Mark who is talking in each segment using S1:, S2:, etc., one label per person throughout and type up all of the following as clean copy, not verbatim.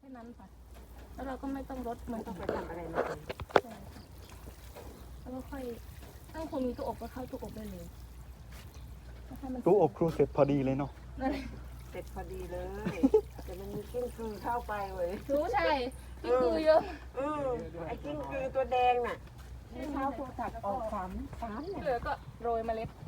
S1: ค่นั้นค่ะแล้วเราก็ไม่ต้องลดมัน
S2: ต้องไปทำอะไรมาเลย
S1: ใช่ค่ะแล้วก็ค่อยตั้งคงมีตู้อบก็เข้าตู้อบได้เลยแล้วให้มัน
S3: ตู้อบครูเสร็จพอดีเลยเนาะ
S1: นั่นแหละ
S2: เสร็จพอดีเลย แต่มันมีกิ้งกือเข้าไปเว้ย
S1: รู้ใช่พี่คือเยอะ
S2: ไอ้กิ้งกือตัวแดงน่ะที่เท้าครูตัดออกสามเนี่ย
S1: เหลือก็โรยเมล็ด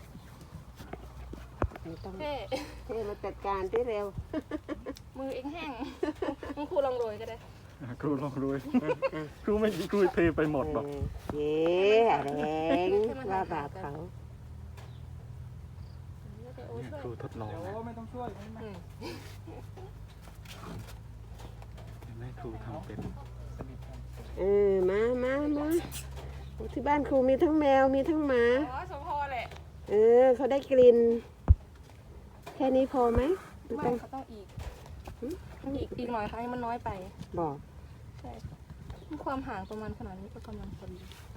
S2: ไม่ต้อง
S1: แค่
S2: เทมาจัดการที่เร็ว
S1: มือเองแห้งคุณครูลองโรยก็ได้
S3: ครูลองรวย ครูไม่ครูเทไปหมดหรอก
S2: เย้แรงว่าบาปเขา
S1: แล้วก็โอ้ช่วย
S3: ครูทดลองนะ
S4: ไม่ต้องช่วย
S1: อืม
S3: เห็นไหมครูทำเป็น
S2: มาที่บ้านครูมีทั้งแมวมีทั้งหมา
S1: อ๋อสมพอแหละ
S2: เขาได้กลิ่นแค่นี้พอไหมหรือ
S1: ไม่
S2: ต้อง
S1: เขาต้องอีกอีกหน่อยค่ะให้มันน้อยไป
S2: บอก
S1: ใช่ค่ะความห่างประมาณขนาดนี้ก็กำลังพอดี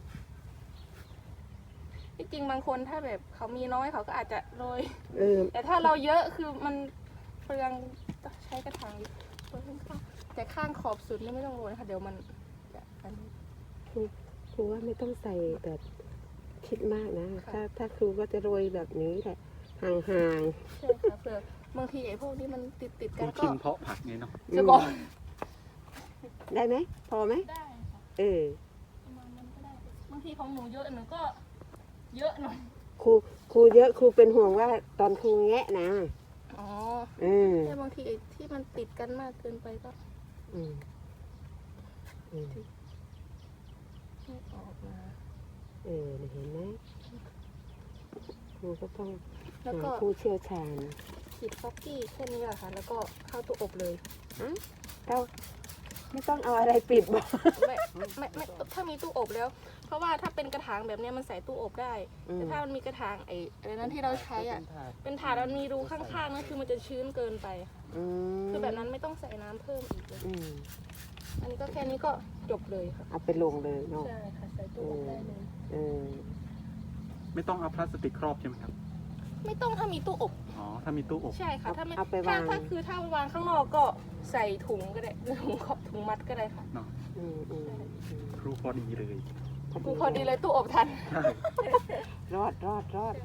S1: ที่จริงบางคนถ้าแบบเขามีน้อยเขาก็อาจจะโรย แต่ถ้าเราเยอะคือมันเปลืองใช้กระถางโรยข้างๆแต่ข้างขอบสุดนี่ไม่ต้องโรยค่ะเดี๋ยวมันจะอันนี้
S2: ครูว่าไม่ต้องใส่แบบคิดมากนะ
S1: ค่ะ
S2: ถ้าครูก็จะโรยแบบนี้แหละห่าง
S1: ใช่ค่ะเผื่อบางทีไอ้พวกนี้มันติด
S3: ค
S1: กั
S3: รู
S1: นก็
S3: ชิมเพาะผักไงเนาะ
S2: ๆ
S1: จะบอก
S2: ได้ไหมพอไหม
S1: ได้ค่ะ
S2: เออ
S1: ประมาณนั้นก็ได้บางทีของหนูเยอะหนูก็เยอะหน่อย
S2: ครูเยอะครูเป็นห่วงว่าตอนครูแงะนะ
S1: อ๋อ
S2: เออ
S1: แต่บางทีไอ้ที่มันติดกันมากเกินไปก็
S2: อืม
S1: ไม่ออกมา
S2: เห็นไหมครูก็ต้อง
S1: แล้วก็
S2: หาผู้เชี่ยวชาญ
S1: ฉีดฟอกกี้แค่นี้แหละค่ะ แล้วก็เข้าตู้อบเลย
S2: เราไม่ต้องเอาอะไรปิดบอก
S1: ไม่ถ้ามีตู้อบแล้ว เพราะว่าถ้าเป็นกระถางแบบเนี้ยมันใส่ตู้อบได้ แต่ถ้ามันมีกระถางไอ้อะไรนั้นที่เราใช้อ่ะ เป็นถาดมันมีรูข้างๆนั่นคือมันจะชื้นเกินไปค่ะ คือแบบนั้นไม่ต้องใส่น้ำเพิ่มอีกเลย อันนี้ก็แค่นี้ก็จบเลยค่ะ
S2: เอาไปลงเลยเนาะ
S1: ใช่ค่ะใส่ตู้อบได้เลย
S2: เออ
S3: ไม่ต้องเอาพลาสติกครอบใช่ไหมครับ
S1: ไม่ต้องถ้ามีตู้อบ
S3: อ๋อ ถ้ามีตู้อบ
S1: ใช่ค่ะ ถ้าไม่
S2: เอาไปวาง
S1: ถ้าคือถ้าวางข้างนอกก็ใส่ถุงก็ได้ถุงขอบถุงมัดก็ได้ค่ะ
S3: เนาะ
S2: อืม
S3: ครูพอดีเลย
S1: กูพอดีเลยตู้อบทัน
S2: รอด